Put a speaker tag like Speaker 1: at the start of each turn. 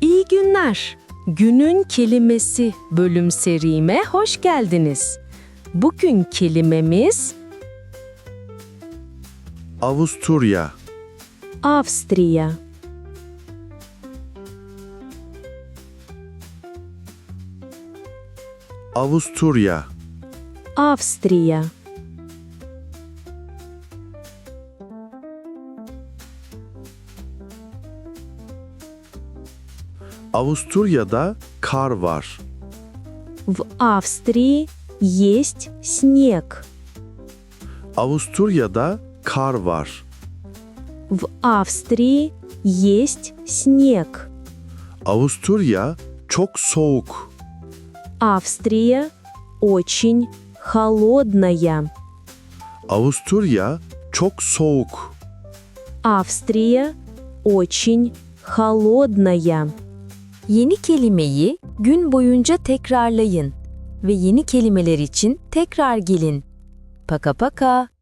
Speaker 1: İyi günler. Günün kelimesi bölüm serime hoş geldiniz. Bugün kelimemiz
Speaker 2: Avusturya,
Speaker 1: Avstriya.
Speaker 2: Avusturya,
Speaker 1: Avstriya.
Speaker 2: Avusturya'da kar var.
Speaker 1: В Австрии есть снег.
Speaker 2: Avusturya'da kar var.
Speaker 1: В Австрии есть снег.
Speaker 2: Avusturya çok soğuk.
Speaker 1: Австрия очень холодная.
Speaker 2: Avusturya çok soğuk.
Speaker 1: Австрия очень холодная.
Speaker 3: Yeni kelimeyi gün boyunca tekrarlayın ve yeni kelimeler için tekrar gelin. Paka paka.